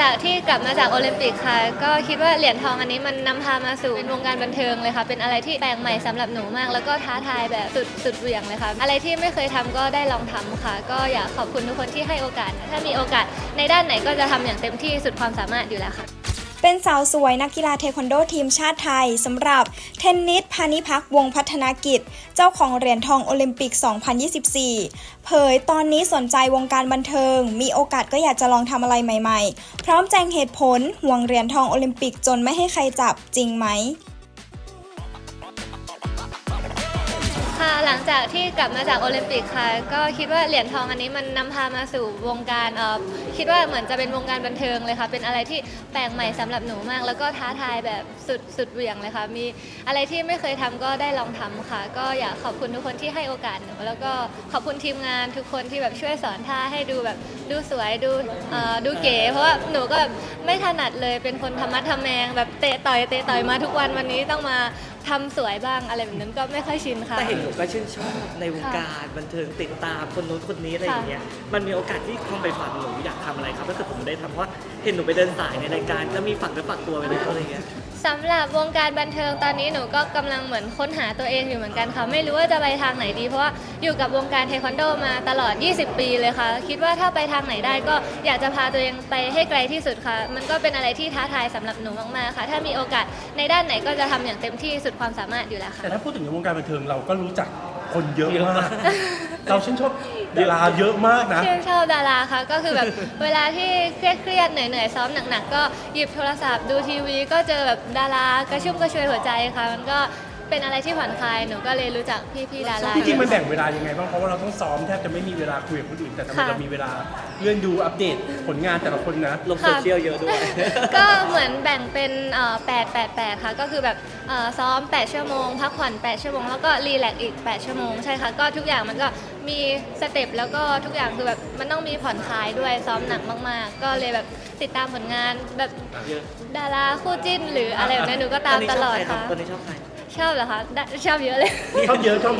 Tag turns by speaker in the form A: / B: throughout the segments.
A: จากที่กลับมาจากโอลิมปิกค่ะก็คิดว่าเหรียญทองอันนี้มันนำพามาสู่วงการบันเทิงเลยค่ะเป็นอะไรที่แปลกใหม่สำหรับหนูมากแล้วก็ท้าทายแบบสุดเหวี่ยงเลยค่ะอะไรที่ไม่เคยทำก็ได้ลองทำค่ะก็อยากขอบคุณทุกคนที่ให้โอกาสถ้ามีโอกาสในด้านไหนก็จะทำอย่างเต็มที่สุดความสามารถอยู่แล้วค่ะ
B: เป็นสาวสวยนักกีฬาเทควันโดทีมชาติไทยสำหรับเทนนิสพานิพักวงศ์พัฒนากิจเจ้าของเหรียญทองโอลิมปิก 2024 เผยตอนนี้สนใจวงการบันเทิงมีโอกาสก็อยากจะลองทำอะไรใหม่ๆพร้อมแจงเหตุผลห่วงเหรียญทองโอลิมปิกจนไม่ให้ใครจับจริงไหม
A: ค่ะหลังจากที่กลับมาจากโอลิมปิกค่ะก็คิดว่าเหรียญทองอันนี้มันนำพามาสู่วงการคิดว่าเหมือนจะเป็นวงการบันเทิงเลยค่ะเป็นอะไรที่แปลกใหม่สำหรับหนูมากแล้วก็ท้าทายแบบสุดเหวี่ยงเลยค่ะมีอะไรที่ไม่เคยทำก็ได้ลองทำค่ะก็อยากขอบคุณทุกคนที่ให้โอกาสหนูแล้วก็ขอบคุณทีมงานทุกคนที่แบบช่วยสอนท่าให้ดูแบบดูสวยดูเก๋เพราะว่าหนูก็แบบไม่ถนัดเลยเป็นคนธรรมะทแมงแบบเตะต่อยมาทุกวันนี้ต้องมาทำสวยบ้างอะไรแบบนั้นก็ไม่ค่อยชินค่ะ
C: แต่เห็นหนูก็ชื่นชอบในวงการบันเทิงติดตามคนโน้นคนนี้อะไรอย่างเงี้ยมันมีโอกาสที่ความไปฝันหนูอยากทำอะไรครับถ้าเกิดผมได้ทำเพราะว่าเห็นหนูไปเดินสายในรายการก็มีฝักเนื้อฝักตัวไปเลยอะไรเงี้ย
A: สำหรับวงการบันเทิงตอนนี้หนูก็กำลังเหมือนค้นหาตัวเองอยู่เหมือนกันค่ะไม่รู้ว่าจะไปทางไหนดีเพราะว่าอยู่กับวงการเทควันโดมาตลอด20 ปีเลยค่ะคิดว่าถ้าไปทางไหนได้ก็อยากจะพาตัวเองไปให้ไกลที่สุดค่ะมันก็เป็นอะไรที่ท้าทายสำหรับหนูมากๆค่ะถ้ามีโอกาสในด้านไหนก็จะทำอย่างเต็มที่สุดความสามารถอยู่แล้วค่ะ
D: แต่ถ้าพูดถึงในวงการบันเทิงเราก็รู้จักคนเยอะมากเราชื่นชอบดาราเยอะมากนะ
A: ชื่นชอบดาราค่ะก็คือแบบเวลาที่เครียดเหนื่อยซ้อมหนักๆก็หยิบโทรศัพท์ดูทีวีก็เจอแบบดารากระชุ่มกระชวยหัวใจค่ะมันก็เป็นอะไรที่ผ่อนคลายหนูก็เลยรู้จักพี่ดารา
D: จริงๆมันแบ่งเวลายังไงบ้างเพราะว่าเราต้องซ้อมแทบจะไม่มีเวลาคุยกับคนอื่นแต่ทำไมเรามีเวลาเลื่อนดูอัปเดตผลงานแต่ละคนนะ
C: ลงโซเชียลเยอะด้วย
A: ก็เหมือนแบ่งเป็น8ค่ะก็คือแบบซ้อม8ชั่วโมงพักผ่อน8ชั่วโมงแล้วก็รีแลกซ์อีก8ชั่วโมงใช่ค่ะก็ทุกอย่างมันก็มีสเต็ปแล้วก็ทุกอย่างคือแบบมันต้องมีผ่อนคลายด้วยซ้อมหนักมากๆก็เลยแบบติดตามผลงานแบบดาราคู่จิ้นหรืออะไรแบบนี้หนูก็ตามตลอดค่ะ
C: ตอนนี้ชอบใคร
A: ชอบเหรอคะชอบเยอะเลย
D: ชอบเยอะชอบ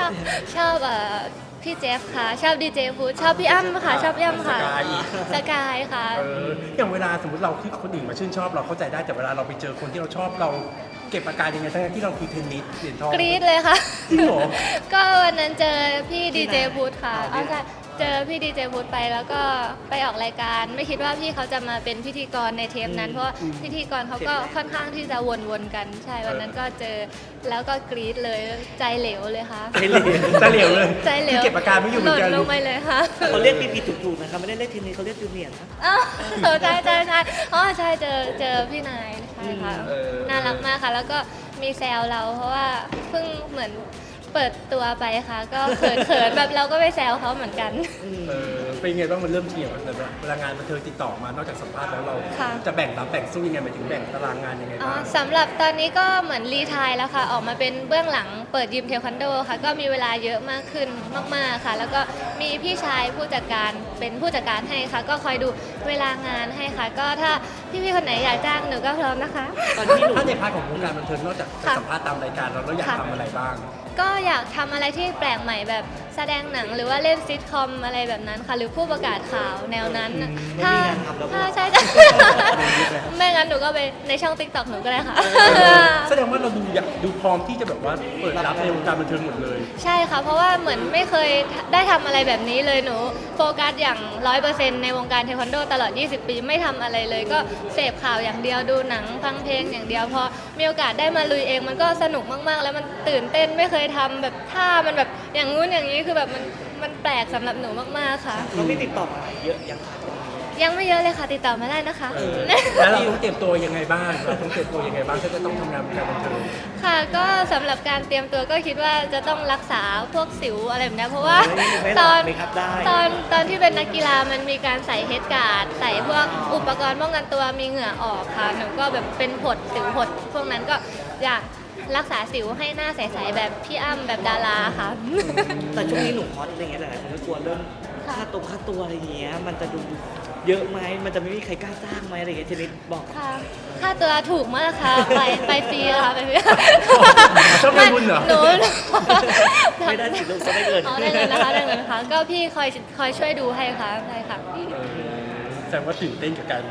A: พี่เจฟค่ะชอบดีเจฟูดชอบพี่อ้ำค่ะชอบพี่อ้ำค่ะสกายค่ะ
D: อย่างเวลาสมมติเราที่คนอื่นมาชื่นชอบเราเข้าใจได้แต่เวลาเราไปเจอคนที่เราชอบเราเก็บอาการยังไงทั้งที่เราคือเทนนิสเหรียญทอง
A: กรี๊ดเลยค่ะ
D: จริงเหรอ
A: ก็วันนั้นเจอพี่ดีเจฟูดค่ะเจอพี่ดีเจฟูดไปแล้วก็ไปออกรายการไม่คิดว่าพี่เขาจะมาเป็นพิธีกรในเทปนั้นเพราะพิธีกรเขาก็ค่อนข้างที่จะวนๆกันใช่วันนั้นก็เจอแล้วก็กรี๊ดเลยใจเหลวเลยค่ะ
D: ใจเหลวเลย
A: ใจเหลว
D: เก็บอาการไม่อยู่เหมือนกัน
A: ลงไปเลยค่ะ
C: เขาเรียกผิดถูกๆนะคะไม่ได้เรียกทีนี้เขาเรียกจูเนียร์นะ
A: ใช่อ๋อใช่เจอพี่นายใช่ค่ะน่ารักมากค่ะแล้วก็มีแซวเราเพราะว่าเพิ่งเหมือนเปิดตัวไปค่ะก็เขินแบบเราก็ไปแซวเขาเหมือนกัน
D: เป็นไงบ้างมันเริ่มเกี่ยวแต่เวลางานบันเทิงติดต่อมานอกจากสัมภาษณ์แล้วเราจะแบ่งรับแบ่งสู้ยังไงหมายถึงแบ่งตารางงานยังไงบ้าง
A: สำหรับตอนนี้ก็เหมือนรีไทร์แล้วค่ะออกมาเป็นเบื้องหลังเปิดยิมเทควันโดค่ะก็มีเวลาเยอะมากขึ้นมากๆค่ะแล้วก็มีพี่ชายผู้จัดการเป็นผู้จัดการให้ค่ะก็คอยดูเวลางานให้ค่ะก็ถ้าพี่ๆคนไหนอยากจ้างหนูก็พร้อมนะคะ
D: ถ้าในพาร์ทของวงการบันเทิงนอกจากสัมภาษณ์ตามรายการเราอยากทำอะไรบ้าง
A: ก็อยากทำอะไรที่แปลกใหม่แบบแสดงหนังหรือว่าเล่นซิทคอมอะไรแบบนั้นค่ะหรือผู้ประกาศข่าวแนวนั้นถ้าใช่ไม่งั้นหนูก็ไปในช่อง TikTok หนูก็ได้ค่ะ
D: แสดงว่าเราดูพร้อมที่จะแบบว่าเปิดรับในวงการบันเทิงหมดเลย
A: ใช่ค่ะเพราะว่าเหมือนไม่เคยได้ทำอะไรแบบนี้เลยหนูโฟกัสอย่าง 100% ในวงการเทควันโดตลอด20 ปีไม่ทำอะไรเลยก็เสพข่าวอย่างเดียวดูหนังฟังเพลงอย่างเดียวพอมีโอกาสได้มาลุยเองมันก็สนุกมากๆแล้วมันตื่นเต้นไม่เคยทำแบบท่ามันแบบอย่างงู้นอย่างนี้คือแบบมันแปลกสำหรับหนูมากๆค่ะ
C: เขาไม่ติดต่อมาเยอะ
A: ยังไม่เยอะเลยค่ะติดต่อมาได้นะคะ
D: แล้วเราต้องเตรียมตัวยังไงบ้างถ้าจะต้องทำงานวงการบันเทิง
A: ค่ะก็สำหรับการเตรียมตัวก็คิดว่าจะต้องรักษาพวกสิวอะไรแบบนี้เพราะว่าตอนที่เป็นนักกีฬามันมีการใส่เฮดการ์ดใส่พวกอุปกรณ์ป้องกันตัวมีเหงื่อออกค่ะหนูก็แบบเป็นผดสิวผดพวกนั้นก็อยากรักษาสิวให้หน้าใสๆแบบพี่อ้ำแบบดาราค่ะ
C: แต่ช่วงนี้หนูฮอตอะไรเงี้ยหลายคนก็กลัวเรื่องค่าตัวอะไรเงี้ยมันจะดูเยอะไหมมันจะไม่มีใครกล้าจ้างไหมอะไรเงี้ยเทนนิสบอก
A: ค่ะค่าตัวถูกมากค่ะไปฟรีค่ะไปฟรี
D: ชอบไปบุญเหรอ
C: หนูไม่ได้สิลูกจะได้เงิน
A: ได้เงินนะคะได้เงินค่ะก็พี่คอยช่วยดูให้ค่ะใช่ค่ะ
D: แสดงว่าตื่นเต้นกับการ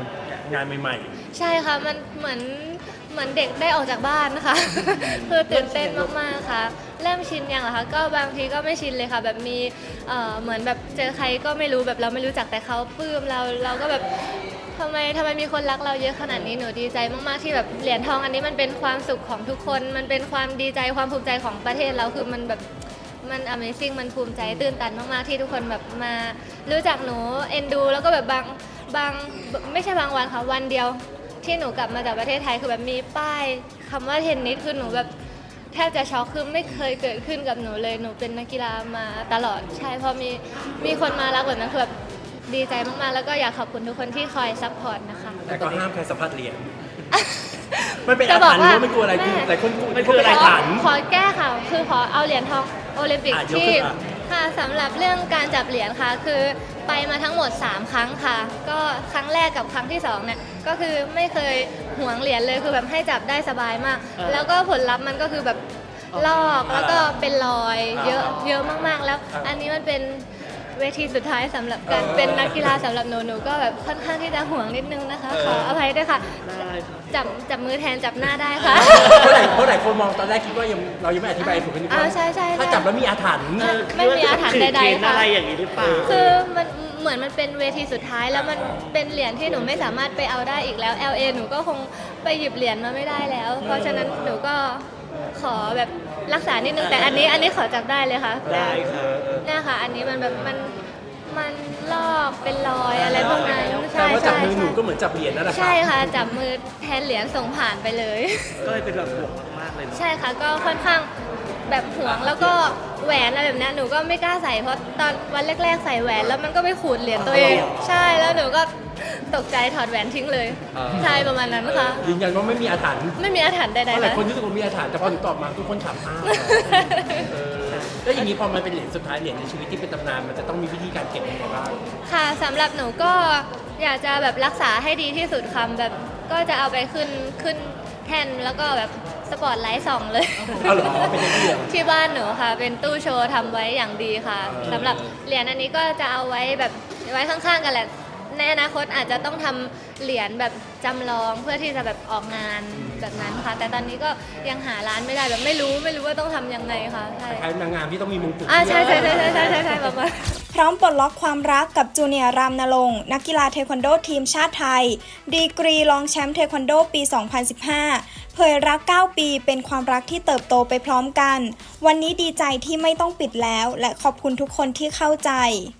D: งานใหม่
A: ใช่ค่ะมันเหมือนเด็กได้ออกจากบ้านนะคะ คือตื่นเต้นมากๆค่ะเริ่มชินยังเหรอคะก็บางทีก็ไม่ชินเลยค่ะแบบมีเหมือนแบบเจอใครก็ไม่รู้แบบเราไม่รู้จักแต่เขาปลื้มเราก็แบบทำไมมีคนรักเราเยอะขนาดนี้หนูดีใจมากๆที่แบบเหรียญทองอันนี้มันเป็นความสุขของทุกคนมันเป็นความดีใจความภูมิใจของประเทศเราคือมันแบบมัน Amazing มันภูมิใจตื่นตันมากๆที่ทุกคนแบบมารู้จักหนูเอ็นดูแล้วก็แบบบางไม่ใช่บางวันค่ะวันเดียวที่หนูกลับมาจากประเทศไทยคือแบบมีป้ายคำว่าเทนนิสคือหนูแบบแทบจะช็อกคือไม่เคยเกิดขึ้นกับหนูเลยหนูเป็นนักกีฬามาตลอดใช่พอมีคนมารักแบบนั้นคือแบบดีใจมากๆแล้วก็อยากขอบคุณทุกคนที่คอยซัพพอร์ตนะคะ
D: ๆ แต่ก็ห้ามใครสัมผัสเหรียญมันเป็นอาถรรพ์หรือว่าไม่กลัวอะไรคือหลายคนกลัว
C: มันคืออะไร
D: อาถรรพ์
A: ขอแก้ค่ะคือขอเอาเหรียญทองโอลิมปิก
D: ยก
A: ที่
D: ขึ้นมา
A: ค่ะสำหรับเรื่องการจับเหรียญค่ะคือไปมาทั้งหมด 3 ครั้งค่ะ ก็ครั้งแรกกับครั้งที่2เนี่ยก็คือไม่เคยหวงเหรียญเลยคือแบบให้จับได้สบายมาก แล้วก็ผลลัพธ์มันก็คือแบบลอกแล้วก็เป็นรอยเยอะมากๆ แล้วอันนี้มันเป็นเวทีสุดท้ายสำหรับการเป็นนักกีฬาสำหรับหนูก็แบบค่อนข้างที่จะห่วงนิดนึงนะคะขออภัยด้วยค่ะ
C: ได้ครับ
A: จับมือแทนจับหน้าได้ค่ะ
D: เพราะหลายคนมองตอนแรกคิดว่าเรายังไม่อธิบายถูกกันดีกว่า
A: ใช่
D: ถ้าจับแล้วมีอาถรรพ์
A: ไม่มีอาถรรพ์ใดๆค่ะ
C: อะไรอย่างนี้หรือเปล่า
A: คือมันเหมือนมันเป็นเวทีสุดท้ายแล้วมันเป็นเหรียญที่หนูไม่สามารถไปเอาได้อีกแล้ว LA หนูก็คงไปหยิบเหรียญมาไม่ได้แล้ว เพราะฉะนั้นหนูก็ขอแบบรักษานิดนึงแต่อันนี้ขอจับได้เลยค่ะ
C: ได้ค่ะ
A: เนี่ยค่ะ อันนี้มันแบบมันลอกเป็นรอยอะไรพวกนั้น
D: แต่ว่าจับมือหนู
A: ใช่
D: ก็เหมือนจับเหรียญนั่นแหละ
A: ใช่ค่ะจับมือแทนเหรียญส่งผ่านไปเลย
C: ก็เลยเป็นแบบห่วงมากๆเลยเนอะ
A: ใช่ค่ะก็ค่อนข้างแบบห่วงแล้วก็แหวนอะไรแบบเนี้ยหนูก็ไม่กล้าใส่เพราะตอนวันแรกๆใส่แหวนแล้วมันก็ไปขูดเหรียญตัวเองใช่แล้วหนูก็ตกใจถอดแหวนทิ้งเลยใช่ประมาณนั้นค่ะ
D: ยืนยันว่าไม่มีอาถรรพ์
A: ไม่มีอาถรรพ์ใด
D: เพราะ
A: ๆ
D: หลาย
A: ค่ะ
D: คนรู้สึกว่ามีอาถรรพ์แต่พอหนูตอบมาทุกคนถามอ้าวแล้วอย่างนี้พอมันเป็นเหรียญสุดท้ายเหรียญในชีวิตที่เป็นตำนานมันจะต้องมีวิธีการเก็บยังไงบ้าง
A: ค่ะสำหรับหนูก็อยากจะแบบรักษาให้ดีที่สุดค่ะแบบก็จะเอาไปขึ้นแท่นแล้วก็แบบสปอตไลท์ส่องเลย
D: เอาเหรอเป็นอย่างนี้เหรอ
A: ที่บ้านหนูค่ะ เป็นตู้โชว์ทำไว้อย่างดีค่ะสำหรับเหรียญอันนี้ก็จะเอาไว้แบบไว้ข้างๆกันแหละในอนาคตอาจจะต้องทำเหรียญแบบจำลองเพื่อที่จะแบบออกงานแบบนั้นค่ะ แต่ตอนนี้ก็ยังหาร้านไม่ได้แบบไม่รู้ว่าต้องทำยังไงค่ะใช่
D: ใครนางงามที่ต้องมีมงกุฎ
A: ใช่ประมาณ
B: พร้อมปลดล็อกความรักกับจูเนียร์รามนรงค์นักกีฬาเทควันโดทีมชาติไทย ดีกรีรองแชมป์เทควันโดปี 2015 เผยรัก 9 ปีเป็นความรักที่เติบโตไปพร้อมกัน วันนี้ดีใจที่ไม่ต้องปิดแล้ว และขอบคุณทุกคนที่เข้าใจ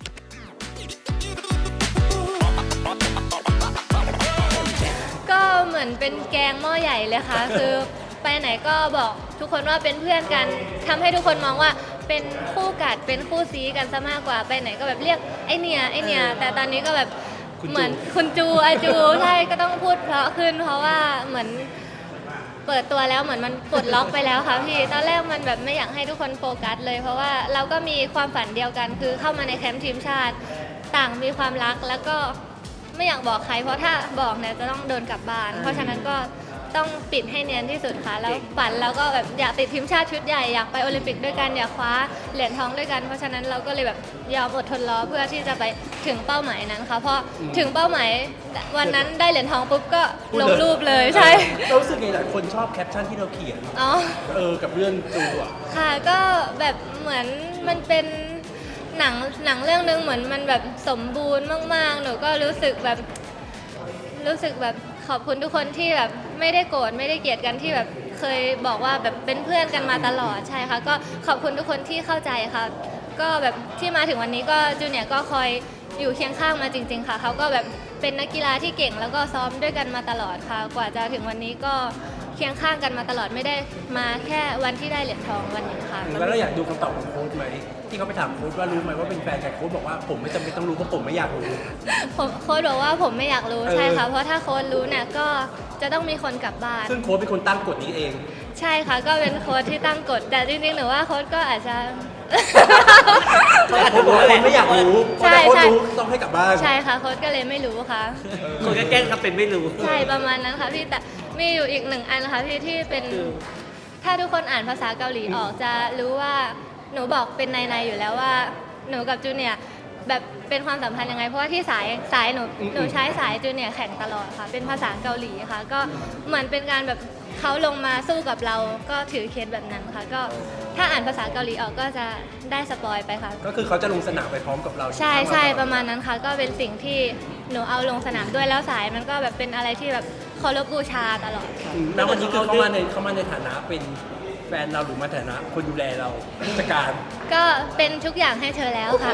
A: ก็เหมือนเป็นแกงหม้อใหญ่เลยค่ะ คือไปไหนก็บอกทุกคนว่าเป็นเพื่อนกันทำให้ทุกคนมองว่าเป็นคู่กัดเป็นคู่ซีกันซะมากกว่าไปไหนก็แบบเรียกไอเนี่ยแต่ตอนนี้ก็แบบเหมือนคุณจูอาจูใช่ก็ต้องพูดเพราะขึ้นเพราะว่าเหมือนเปิดตัวแล้วเหมือนมันปลดล็อกไปแล้วค่ะพี่ตอนแรกมันแบบไม่อยากให้ทุกคนโฟกัสเลย เพราะว่าเราก็มีความฝันเดียวกันคือเข้ามาในแคมป์ทีมชาติต่างมีความรักแล้วก็ไม่อยากบอกใครเพราะถ้าบอกเนี่ยจะต้องโดนกลับบ้านเพราะฉะนั้นก็ต้องปิดให้เนียนที่สุดค่ะแล้วฝันเราก็แบบอยากติดทีมชาติชุดใหญ่อยากไปโอลิมปิกด้วยกันอยากคว้าเหรียญทองด้วยกันเพราะฉะนั้นเราก็เลยแบบยอมอดทนรอเพื่อที่จะไปถึงเป้าหมายนั้นค่ะเพราะถึงเป้าหมายวันนั้นได้เหรียญทองปุ๊บก็ลงรูปเลยใช่
D: เรารู้สึกไงหลายคนชอบแคปชั่นที่เราเขียน
A: อ๋อ
D: กับเรื่องจูอ่ะ
A: ค่ะก็แบบเหมือนมันเป็นหนังเรื่องนึงเหมือนมันแบบสมบูรณ์มากๆหนูก็รู้สึกแบบขอบคุณทุกคนที่แบบไม่ได้โกรธไม่ได้เกลียดกันที่แบบเคยบอกว่าแบบเป็นเพื่อนกันมาตลอดใช่ค่ะก็ขอบคุณทุกคนที่เข้าใจค่ะก็แบบที่มาถึงวันนี้ก็จูเนียร์ก็คอยอยู่เคียงข้างมาจริงๆค่ะเขาก็แบบเป็นนักกีฬาที่เก่งแล้วก็ซ้อมด้วยกันมาตลอดค่ะกว่าจะถึงวันนี้ก็เคียงข้างกันมาตลอดไม่ได้มาแค่วันที่ได้เหรียญทองวันนี้ค่ะ
D: แล้วเราอยากดูคำตอบของโค้ชไหมที่เขาไปถามโค้ชว่ารู้ไหมว่าเป็นแฟนกันโค้ชบอกว่าผมไม่จำเป็นต้องรู้เพราะผมไม่อยากรู้
A: โค้ชบอกว่าผมไม่อยากรู้ใช่ค่ะเพราะถ้าโค้ชรู้เนี่ยก็จะต้องมีคนกลับบ้าน
D: ซึ่งโค้ชเป็นคนตั้งกฎนี้เอง
A: ใช่ค่ะก็เป็นโค้ชที่ตั้งกฎแต่จริงๆหนูว่าโค้ชก็อาจจะ
D: โค้ชบอกว่าคนไม่อยากรู้เพราะถ้าโค้ชรู้ต้องให้กลับบ้าน
A: ใช่ค่ะโค้ชก็เลยไม่รู้ค่ะ
C: คนก็แกล้งทำเป็นไม่รู้
A: ใช่ประมาณนั้นค่ะพี่แต่มีอยู่อีกหนึ่งอันนะคะพี่ที่เป็นถ้าทุกคนอ่านภาษาเกาหลีออกจะรู้ว่าหนูบอกเป็นในๆอยู่แล้วว่าหนูกับจูเนียร์แบบเป็นความสัมพันธ์ยังไงเพราะว่าที่สายหนูใช้สายจูเนียร์แข่งตลอดค่ะเป็นภาษาเกาหลีค่ะก็เหมือนเป็นการแบบเขาลงมาสู้กับเราก็ถือเคสแบบนั้นค่ะก็ถ้าอ่านภาษาเกาหลีออกก็จะได้สปอยไปค่ะ
D: ก็คือเขาจะลงสนามไปพร้อมกับเรา
A: ใช่ใช่ประมาณนั้นค่ะก็เป็นสิ่งที่หนูเอาลงสนามด้วยแล้วสายมันก็แบบเป็นอะไรที่แบบเคารพบูชาตลอดค่ะ
D: แล้ววันนี้คือเขามาในฐานะเป็นแฟนเราหรือมาฐานะคนดูแลเราผู้จัดการ
A: ก็เป็นทุกอย่างให้เธอแล้วค่ะ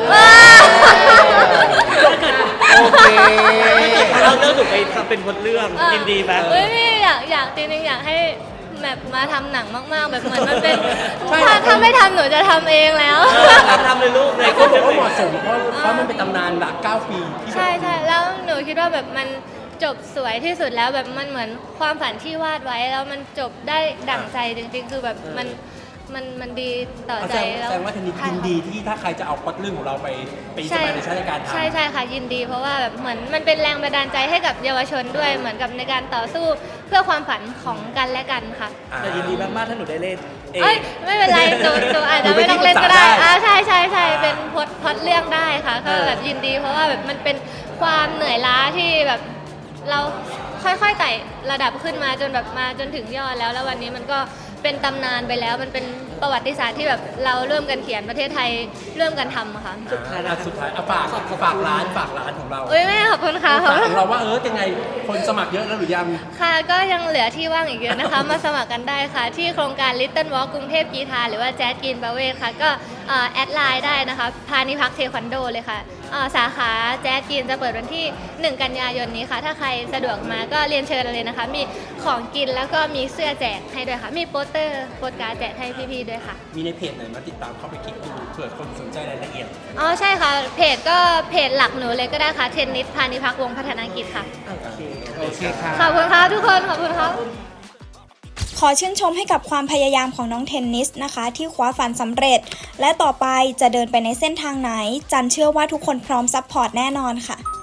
E: โอเค
C: เราเลือกหนูไปทำเป็นบทเรื่องยินดีไหม
A: เฮ้ยพี่อยากจริงๆอยากให้แบบมาทำหนังมากๆ แบบเหมือนมันเป็น
D: ใช่
A: ถ้าไม่ทำหนูจะทำเองแล้ว
C: ทำเลยลูกเลย
D: เขาบอกว่าเหมาะสมเพราะมันเป็นตำนานหลัก9 ปีที่
A: ใช่ใช่แล้วหนูคิดว่าแบบมันจบสวยที่สุดแล้วแบบมันเหมือนความฝันที่วาดไว้แล้วมันจบได้ดั่งใจจริงๆ คือแบบมันดีต่อ
D: แส
A: ใจ
D: ดง
A: แล้ว
D: ว่าทางนี้ยินดีที่ถ้าใครจะเอาพล็อตเรื่องของเราไปเป็นอินสปิเรชั่นในการทำ
A: ใช่ใช่ค่ะยินดีเพราะว่าแบบเหมือนมันเป็นแรงบันดาลใจให้กับเยาวชนด้วยเหมือนกับในการต่อสู้เพื่อความฝันของกันและกันค่ะ
C: แต่ยินดีมากๆถ้าหนูได้เล่นเอง
A: เอ้ยไม่เป็นไรหนูอาจจะไม่ต้องเล่นก็ได้ใช่ใช่ใช่เป็นพล็อตเรื่องได้ค่ะก็แบบยินดีเพราะว่าแบบมันเป็นความเหนื่อยล้าที่แบบเราค่อยๆไต่ระดับขึ้นมาจนแบบมาจนถึงยอดแล้ววันนี้มันก็เป็นตำนานไปแล้วมันเป็นประวัติศาสตร์ที่แบบเราเริ่มกันเขียนประเทศไทยเริ่มกันทำอะค่ะ
D: สุดท้ายเอาฝากร้านของเรา
A: เอ้ยแม่ขอบคุณค่ะ
D: ฝากของเราว่ายังไงคนสมัครเยอะแล้วหรือยัง
A: ค่ะก็ยังเหลือที่ว่างอีกเยอะนะคะ มาสมัครกันได้ค่ะ ที่โครงการ Little Walk กรุงเทพกีฬาหรือว่าแจ๊สกินประเวศค่ะ ก็แอดไลน์ได้นะคะพานิพักเทควันโดเลยค่ะสาขาแจ๊สกินจะเปิดวันที่ 1 กันยายนนี้ค่ะ ถ้าใครสะดวกมาก็เรียนเชิญเลยนะคะ มีของกินแล้วก็มีเสื้อแจกให้ด้วยค่ะ มีโปสเตอร์โปสการ์ดแจกให้พี่ๆด้วยค่ะ
D: มีในเพจไหนมาติดตามเข้าไปคลิกดูเผื่อคนสนใจรายละเอียด
A: อ๋อใช่ค่ะเพจก็เพจหลักหนูเลยก็ได้ค่ะเทนนิสพานิพักวงศ์พัฒนากิจค่ะ
E: โอเคค่ะ
A: ขอบคุณค่ะทุกคนขอบคุณค่ะ
B: ขอชื่นชมให้กับความพยายามของน้องเทนนิสนะคะ ที่คว้าฝันสำเร็จ และต่อไปจะเดินไปในเส้นทางไหน จันเชื่อว่าทุกคนพร้อมซัพพอร์ตแน่นอนค่ะ